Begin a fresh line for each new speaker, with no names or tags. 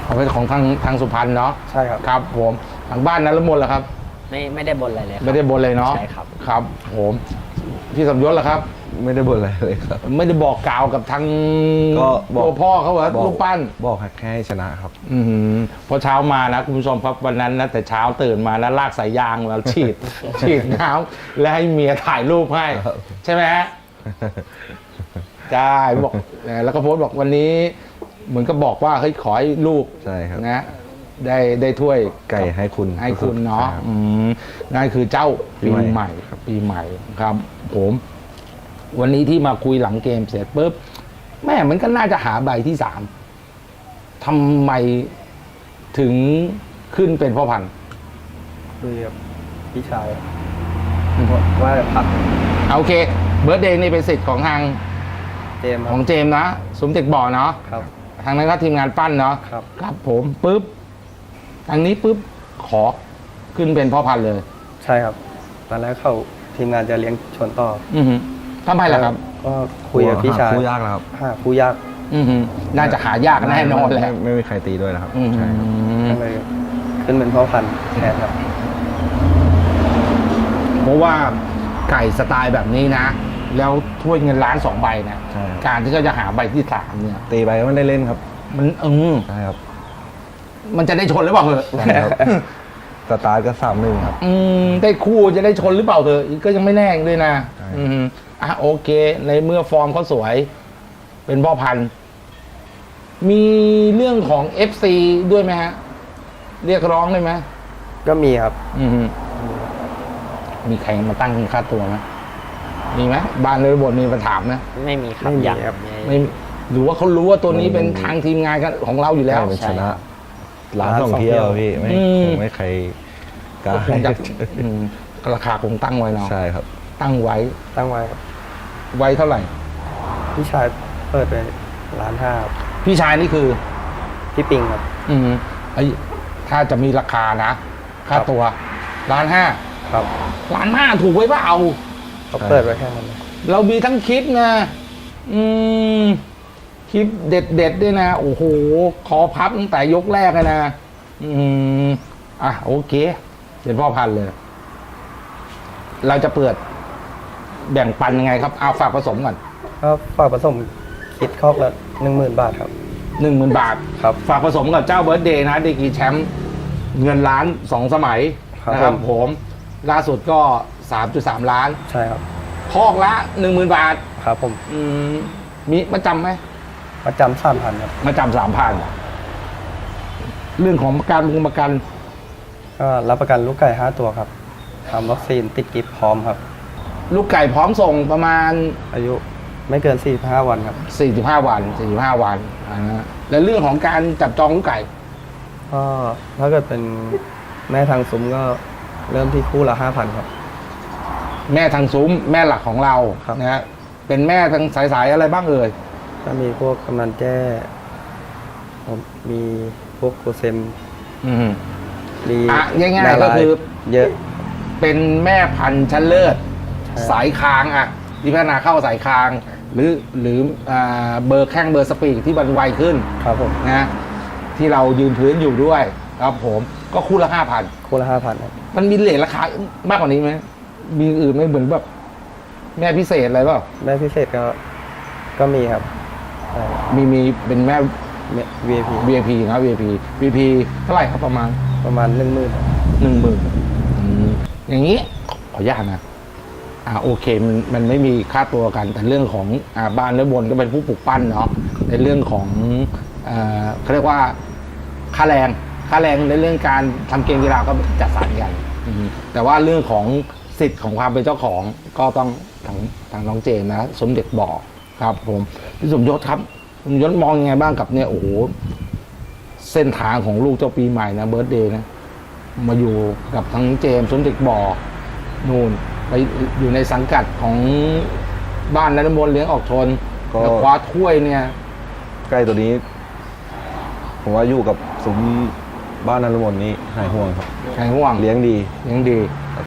เอาเป็นของทางสุพรรณเนาะ
ใช่ครับ
ครับผมทางบ้านนั้นละมนเหรอครับ
ไม่ได้บนอะไรเลย
ไม่ได้บนเลยเนาะ
ใช่ครับ
ครับผมพี่สมยศเหรอครับ
ไม่ได้บ่นอะไรเลยครับ
ไม่ได้บอกกล่าวกับทาง
ก็บอก
พ่อเขาเหรอลูกปั้น
บอกแค่ให้ชนะครับ
พอเช้ามานะคุณผู้ชมครับวันนั้นนะแต่เช้าตื่นมานะลากสายยางแล้วฉีดน้ำแล้วให้เมียถ่ายรูปให้ใช่ไหมฮะใช่บอกแล้วก็โพสต์บอกวันนี้เหมือนก็บอกว่าเฮ้ยขอให้ลูก
ใช่ครับ
นะได้ถ้วย
ไก่ให้คุณ
เนาะนั่นคือเจ้าปีใหม่ครับผมวันนี้ที่มาคุยหลังเกมเสร็จปุ๊บแม่มันก็น่าจะหาใบที่3ทำไมถึงขึ้นเป็นพ่อพันธุ์
คุยกับพี่ชายว่าผัด
โอเคเบิร์ธเดย์นี่เป็นสิทธิ์ของทาง
เจม
ของเจมนะสมเด็จบ่อเนาะ
ครับ
ทางนั้นก็ทีมงานปั้นเนาะครับผมปุ๊บทางนี้ปุ๊บขอขึ้นเป็นพ่อพันธุ์เลย
ใช่ครับตอนแรกเขาทีมงานจะเลี้ยงชนต่อ
ทำไมล่ะครับ
ก็คุยกับพี่ชาย
คู่ยากแล้วครับ
คู่ยาก
น่าจะหายากแน่นอนแหละ
ไม่มีใครตีด้วยนะครับ
ใช่ก็เลยขึ้นเป็นพ่อพันธุ์แทนครับ
เพราะว่าไก่สไตล์แบบนี้นะแล้วถ้วยเงินล้าน2 ใบนะการที่เขาจะหาใบที่3เนี่ย
ตีไปไม่ได้เล่นครับ
มัน
ใช่ครับ
มันจะได้ชนหรือเปล่าเหรอ
สตาร์ทก็3-1ครับ
ได้คู่จะได้ชนหรือเปล่าเถอะก็ยังไม่แน่ด้วยนะโอเคในเมื่อฟอร์มเขาสวยเป็นพ่อพันธุ์มีเรื่องของ FC ด้วยไหมฮะเรียกร้องได้ไหม
ก็มีครับ
มีใครมาตั้งค่าตัวไหมมีไหมบ้านเลยบทมีมาถามไหม
ไม่มีครับ
อย่าง
ไม่หรือว่าเขารู้ว่าตัวนี้เป็นทางทีมงานของเราอยู่แล้ว
เป็นชนะร้านท่องเที่ยวพี่ไม่ใครกล้า
ราคาคงตั้งไว้เนาะ
ใช่ครับ
ตั้งไว้
ครับ
ไว้เท่าไหร่
พี่ชายเปิดไป1,500,000
พี่ชายนี่คือ
พี่ปิงครับ
ถ้าจะมีราคานะค่าตัว1,500,000
ครับ
1,500,000ถูกไว้เปล่า
เขาเปิดไว้แค่นั้น
เรามีทั้งคลิปนะคลิปเด็ดด้วยนะโอ้โหคอพับตั้งแต่ยกแรกเลยนะโอเคเป็นพ่อพันธุ์เลยเราจะเปิดแบ่งปันยังไงครับเอาฝากผสมก่อน
ครับฝากผสมคิดคอกละ10,000 บาทครับ
10,000 บาท
ครับ
ฝากผสมกับเจ้าเบิร์ธเดย์นะเดกีแชมป์เงินล้าน2 สมัยนะครับผมล่าสุดก็ 3.3 ล้าน
ใช่ครับ
คอกละ 10,000 บาท
ครับผม
มีมาจำไหม
มาจำ3,000ครับ
มาจำ3,000เรื่องของประกัน
ก็รับประกันลูกไก่5 ตัวครับทำวัคซีนติดกิฟพร้อมครับ
ลูกไก่พร้อมส่งประมาณ
อายุไม่เกิน45 วันครับ
45 วันแล้วเรื่องของการจับจองลูกไก่
ก็ถ้าเกิดเป็นแม่ทางซุ้มก็เริ่มที่คู่ละ 5,000 ครับ
แม่ทางซุ้มแม่หลักของเรานะฮะเป็นแม่ทางสายอะไรบ้างเอ่ย
ก็มีพวกกำนันแจ้มีพวกโกเซม
ง่ายๆก็คือ
เยอะ
เป็นแม่พันธุ์ชั้นเลิศสายคางที่พัฒนาเข้าสายคางหรือเบอร์แข้งเบอร์สปีกที่มันไวขึ้น
ครับผม
นะที่เรายืนพื้นอยู่ด้วยครับผมก็คู่ละ 5,000
คู่ละ 5,000ครับ
มันมีเรทราคามากกว่านี้ไหมมีอื่นไม่เหมือนแบบแม่พิเศษอะไรเปล่า
แม่พิเศษก็มีครับ
มีเป็นแม่
VIP
นะ VIP เท่าไหร่ครับประมาณ
10,000
อย่างนี้ขออนุญาตนะโอเคมันไม่มีค่าตัวกันแต่เรื่องของบ้านและบนก็เป็นผู้ปลูกปั้นเนาะในเรื่องของเขาเรียกว่าค่าแรงในเรื่องการทำเกมกีฬาก็จัดสรรกันแต่ว่าเรื่องของสิทธิ์ของความเป็นเจ้าของก็ต้องทางน้องเจมนะสมเด็จบอกครับผมพี่สมยศครับสมยศมองยังไงบ้างกับเนี่ยโอ้โหเส้นทางของลูกเจ้าปีใหม่นะเบิร์ธเดย์นะมาอยู่กับทั้งเจมสมเด็จบอกนู่นไปอยู่ในสังกัดของบ้านนฤมลเลี้ยงออกชนแล้วคว้าถ้วยเนี่ย
ใกล้ตัวนี้ผมว่าอยู่กับซุ้มบ้านนฤมลนี้หายห่วงครับ
หายห่วง
เลี้ยงดี